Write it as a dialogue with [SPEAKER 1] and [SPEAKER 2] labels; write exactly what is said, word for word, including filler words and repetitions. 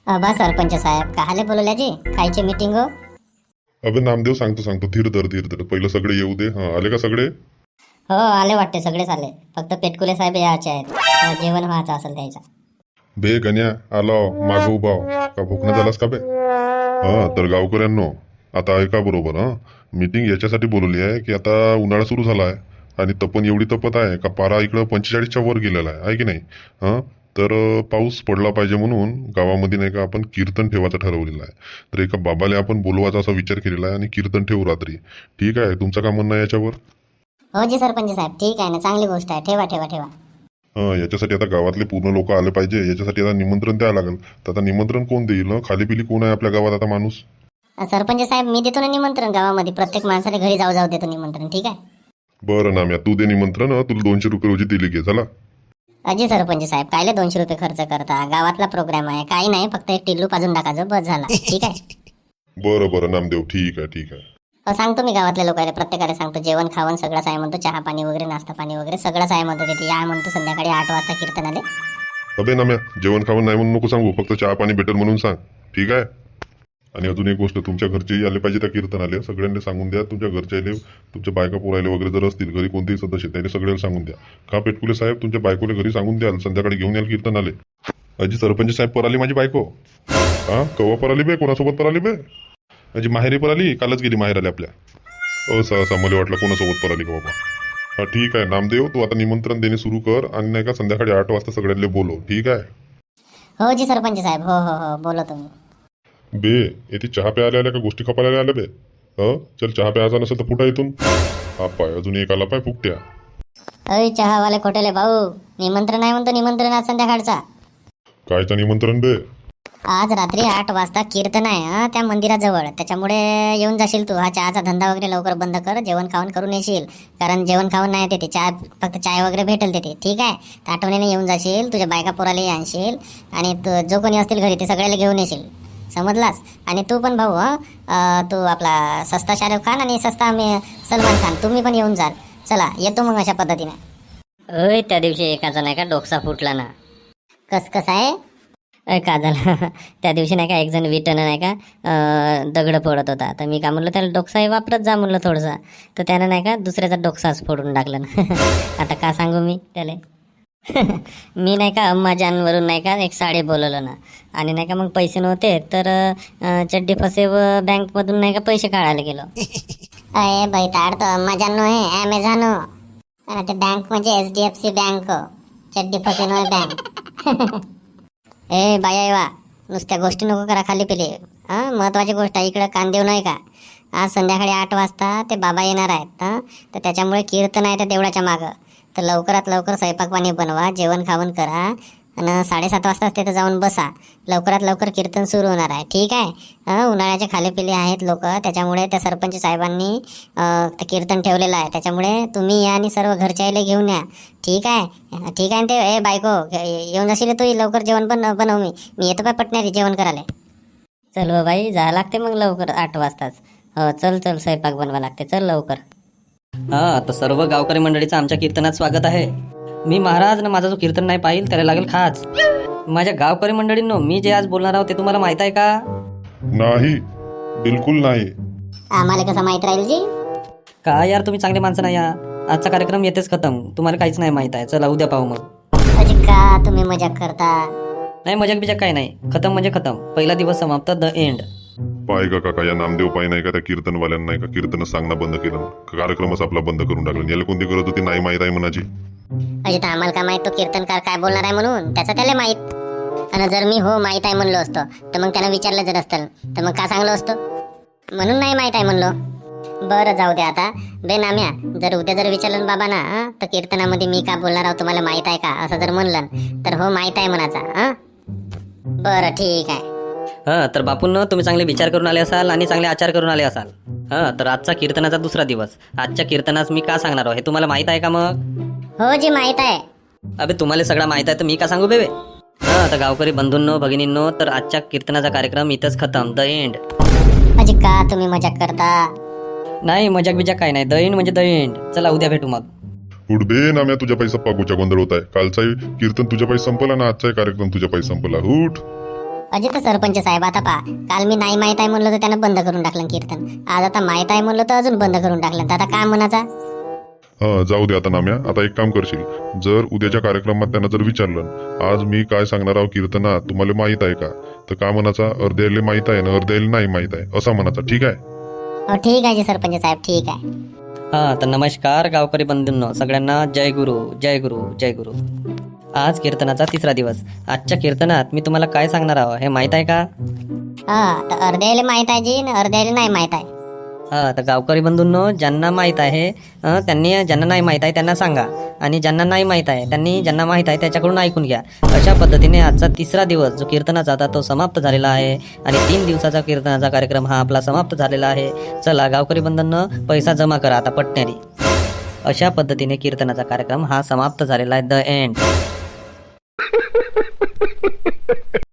[SPEAKER 1] अबा सरपंच साहेब काहाले बोलवल्याजी कायची मीटिंग हो?
[SPEAKER 2] अबे नामदेव सांगतो सांगतो धीर धर धीर धर पहिलं सगळे येऊ दे. हा आले का सगळे?
[SPEAKER 1] हो आले वाटते सगळेच आले, फक्त पेटकुले साहेब यायचे आहेत. अ, जेवण व्हायचं असेल त्याचं.
[SPEAKER 2] बे गण्या आलो मागं उभाव का भुकणं झालास का बे? हा तर गावकऱ्यांनो आता ऐका बरोबर. हा मीटिंग याच्यासाठी बोलवली आहे की आता उन्हाळा सुरू झाला आहे आणि तपन एवढी तपत आहे का पारा इकडं पंचेचाळीसच्या वर गेलेला आहे आहे की नाही. हा तर अं, पाऊस पडला पाहिजे म्हणून गावामध्ये नाही का आपण कीर्तन ठेवायचं ठरवलेलं आहे. तर एका बाबाला आपण बोलवायचा असा विचार केलेला आहे आणि कीर्तन ठेवू रात्री. ठीक आहे, तुमचं काय म्हणणं आहे याच्यावर?
[SPEAKER 1] हो जी सरपंच साहेब ठीक आहे ना, चांगली गोष्ट आहे. ठेवा ठेवा ठेवा.
[SPEAKER 2] हा याच्यासाठी आता गावातले पूर्ण लोक आले पाहिजे. याच्यासाठी आता निमंत्रण द्यावं लागेल. तर आता निमंत्रण कोण देईल? हं? खाली पिली कोण आहे आपल्या गावात आता माणूस?
[SPEAKER 1] अ, सरपंच साहेब मी देतो ना निमंत्रण गावामध्ये, प्रत्येक माणसाने घरी जाऊ जाऊ देतो निमंत्रण. ठीक आहे.
[SPEAKER 2] बरं नाम्या तू दे निमंत्रण. हं? तुला दोनशे रुपये रोजी दिली घे चला.
[SPEAKER 1] अजी सरपंच साहेब कायले दोनशे रुपये खर्च करता? गावातला प्रोग्राम आहे, काही नाही, फक्त एक टिल्लू पाजून टाकायचं बस झाला. ठीक आहे.
[SPEAKER 2] बरं बरं नामदेव ठीक आहे ठीक आहे.
[SPEAKER 1] अ, सांगतो मी गावातल्या लोकांना, प्रत्येकाला सांगतो जेवण खावण सगळंच आहे म्हणतो, चहा पाणी वगैरे नाश्ता पाणी वगैरे सगळंच आहे म्हणतो. तिथे या म्हणतो संध्याकाळी आठ वाजता कीर्तनाले.
[SPEAKER 2] अबे नाम्या जेवण खावण नाही म्हणून नको सांगू, फक्त चहा पाणी भेटेल म्हणून सांग. ठीक आहे. आणि अजून एक गोष्ट, तुमच्या घरचेही आले पाहिजे त्या कीर्तनाले. सगळ्यांना सांगून द्या, तुमच्या घरच्याले तुमच्या बायका पोरायले वगैरे जर असतील घरी कोणतेही सदस्य त्याने सगळ्याला सांगून द्या. का पेटकुले साहेब तुमच्या बायकोला घरी सांगून द्याल संध्याकाळी घेऊन याल कीर्तनाले. अजी सरपंच साहेब पराली माझी बायको. हा कवा पराली बे? कोणासोबत पराली बे? अजी माहेरी पराली, कालच गेली माहेर आली आपल्या. अ सहसा मला वाटलं कोणासोबत पराली का बाबा. हा ठीक आहे नामदेव, तू आता निमंत्रण देणे सुरू कर आणि नाही का संध्याकाळी आठ वाजता सगळ्यांना बोलव. ठीक आहे.
[SPEAKER 1] हो जी सरपंच साहेब, हो हो हो बोलो तुम्ही.
[SPEAKER 2] बे येथे चहा प्यायला आल्या का गोष्टी खपायला आल्या बे? ह चल चहा प्यायचा नसेल तर फुटा इथून. हा पाय अजून एक आला पाय फुकट्या.
[SPEAKER 1] अय चहावाले खोटेले भाऊ, निमंत्रण आहे म्हणतो, निमंत्रण आज संध्याकाळचा.
[SPEAKER 2] कायचं निमंत्रण बे?
[SPEAKER 1] आज रात्री आठ वाजता कीर्तन आहे हा त्या मंदिराजवळ, त्याच्यामुळे येऊन जाशील तू. हा चहाचा धंदा वगैरे लवकर बंद कर, जेवण खावण करून येशील, कारण जेवण खावण नाही तिथे, चहा फक्त चाय वगैरे भेटेल तिथे. ठीक आहे. तर आठवणीने येऊन जाशील, तुझ्या बायका पोरालाही आणशील आणि तू जो कोणी असतील घरी ते सगळ्याला घेऊन येशील, समजलास? आणि तू पण भाऊ, हा तू आपला सस्ता शाहरुख खान आणि सस्ता मी सलमान खान, तुम्ही पण येऊन जाल. चला येतो मग अशा पद्धतीने. अय त्या दिवशी एकाचा नाही का डोकसा फुटला ना. कस कसं आहे? अय का झालं? त्या दिवशी नाही का एक जण विटन नाही का अं, दगड फोडत होता, तर मी का म्हणलं त्याला डोकसाही वापरत जा म्हणलं थोडंसं, तर त्यानं नाही का दुसऱ्याचा डोकसाच फोडून टाकलं ना. आता का सांगू मी त्याला. मी नाही का अम्माजानवरून नाही का एक साडी बोलवलं ना, आणि नाही का मग पैसे नव्हते तर अं, चड्डी फसे व बँकमधून नाही का पैसे काढायला गेलो. अरे बाई ताड तो अम्माजान आहे, ॲमेझॉन आणि ते बँक म्हणजे H D F C bank, चड्डी फसे नो बँक. ए बाया वा, नुसत्या गोष्टी नको करा खाली पिले. हां महत्त्वाची गोष्ट आहे, इकडं कान देऊ नाही का. आज संध्याकाळी आठ वाजता ते बाबा येणार आहेत. हां तर त्याच्यामुळे कीर्तन आहे त्या देवळाच्या मागं, तर लवकरात लवकर स्वयंपाक पाणी बनवा, जेवण खावण करा आणि साडेसात वाजताच तिथं जाऊन बसा. लवकरात लवकर कीर्तन सुरू होणार आहे. ठीक आहे. हां उन्हाळ्याचे खालेपिले आहेत लोक, त्याच्यामुळे त्या सरपंच साहेबांनी अं, ते कीर्तन ठेवलेलं आहे, त्याच्यामुळे तुम्ही या आणि सर्व घरच्याला घेऊन या. ठीक आहे. ठीक आहे. ते ए बायको येऊन जाशील तू, लवकर जेवण पण बनव. मी मी येतो पाय पटणारी जेवण करायला. चल हो बाई जा लागते मग लवकर आठ वाजताच. हो चल चल स्वयंपाक बनवा लागते, चल लवकर.
[SPEAKER 3] हा तर सर्व गावकरी मंडळीचं आमच्या कीर्तनात स्वागत आहे. मी महाराज ना माझा जो कीर्तन नाही पाहिल त्याला लागेल खाच. माझ्या गावकरी मंडळींनो, मी जे आज बोलणार आहोत ते तुम्हाला माहित आहे का?
[SPEAKER 2] नाही बिलकुल नाही.
[SPEAKER 1] आम्हाला कसं माहीत राहील जी?
[SPEAKER 3] का यार तुम्ही चांगले माणसं नाही या. आजचा कार्यक्रम येतेच खतम, तुम्हाला काहीच नाही माहित आहे. चला उद्या पाहू मग.
[SPEAKER 1] अजी का तुम्ही मजाक करता?
[SPEAKER 3] नाही मजाक बिजाक काही नाही, खतम म्हणजे खतम, पहिला दिवस समाप्त, द एंड.
[SPEAKER 2] पाय का काका या नामदेव पाय नाही का त्या कीर्तनवाल्यांना नाही का कीर्तन सांगणं बंद केलं, कार्यक्रमच आपला बंद करून टाकला. याला कोणती गरज होती नाही माहीत आहे म्हणाची.
[SPEAKER 1] अजी तर आम्हाला काय माहित तो कीर्तनकार काय बोलणार आहे म्हणून, त्याचं त्याला माहित. आणि जर मी हो माहीत आहे म्हणलो असतो तर मग त्यानं विचारलं जर असतं तर मग का सांगलो असतो, म्हणून नाही माहीत आहे म्हणलो. बरं जाऊ दे आता. बे नाम्या, जर उद्या जर विचारलं बाबा ना हं, तर कीर्तनामध्ये मी का बोलणार आहोत तुम्हाला माहित आहे का असं जर म्हणलं तर हो माहीत आहे म्हणाचा. हां बरं ठीक आहे.
[SPEAKER 3] हा तर बापूंनो, तुम्ही चांगले विचार करून आले असाल आणि चांगले आचार करून आले असाल. हा तर आजचा कीर्तनाचा दुसरा दिवस. आजच्या कीर्तनास मी का सांगणार आहे हे तुम्हाला माहित आहे का मग?
[SPEAKER 1] हो जी माहीत आहे.
[SPEAKER 3] अबे तुम्हाला सगळं माहित आहे तर मी का सांगू बेबे. हा तर गावकरी बंधूंनो भगिनींनो, तर आजच्या कीर्तनाचा कार्यक्रम इथंच खतम, द एंड.
[SPEAKER 1] अजी का तुम्ही मजाक करता?
[SPEAKER 3] नाही मजाक बिजाक काय नाही, द एंड म्हणजे द एंड. चला उद्या भेटू मग.
[SPEAKER 2] उठ बे नाम्या, तुझ्या पैसा पागूच्या गोंधळ होत आहे. कालचाही कीर्तन तुझ्या पैसा संपला ना आजचाही कार्यक्रम तुझ्या पैसा संपला. उठ.
[SPEAKER 1] अजित सरपंच साहेब आता पहा, काल मी नाही माहीत आहे म्हणलं तर त्यानं बंद करून टाकलं कीर्तन. आज आता माहीत आहे म्हणलं तर अजून बंद करून टाकलं. तर आता काय म्हणाचा?
[SPEAKER 2] हा जाऊ दे आता नाम्या. आता एक काम करशील, जर उद्याच्या कार्यक्रमात त्यांना जर विचारलं आज मी काय सांगणार आहो कीर्तनात तुम्हाला माहित आहे का, तर का म्हणाचा अर्ध्याला माहित आहे ना अर्ध्याला नाही माहित आहे असा म्हणाचा. ठीक आहे?
[SPEAKER 1] हो ठीक आहे जी सरपंच साहेब, ठीक आहे.
[SPEAKER 3] हा तर नमस्कार गावकरी बंधूंनो, सगळ्यांना जय गुरु जय गुरु जय गुरु. आज कीर्तनाचा तिसरा दिवस. आजच्या कीर्तनात मी तुम्हाला काय सांगणार आहो हे माहित आहे का?
[SPEAKER 1] हा तर अर्ध्याला माहीत आहे जी, आणि अर्ध्याला नाही माहीत आहे.
[SPEAKER 3] हा तर गावकरी बंधूंनो, ज्यांना माहीत आहे अं, त्यांनी ज्यांना नाही माहीत आहे त्यांना सांगा, आणि ज्यांना नाही माहीत आहे त्यांनी ज्यांना माहीत आहे त्याच्याकडून ऐकून घ्या. अशा पद्धतीने आजचा तिसरा दिवस जो कीर्तनाचा आता तो समाप्त झालेला आहे, आणि तीन दिवसाचा कीर्तनाचा कार्यक्रम हा आपला समाप्त झालेला आहे. चला गावकरी बंधूंनो, पैसा जमा करा आता पटण्यारी. अशा पद्धतीने कीर्तनाचा कार्यक्रम हा समाप्त झालेला आहे. The end.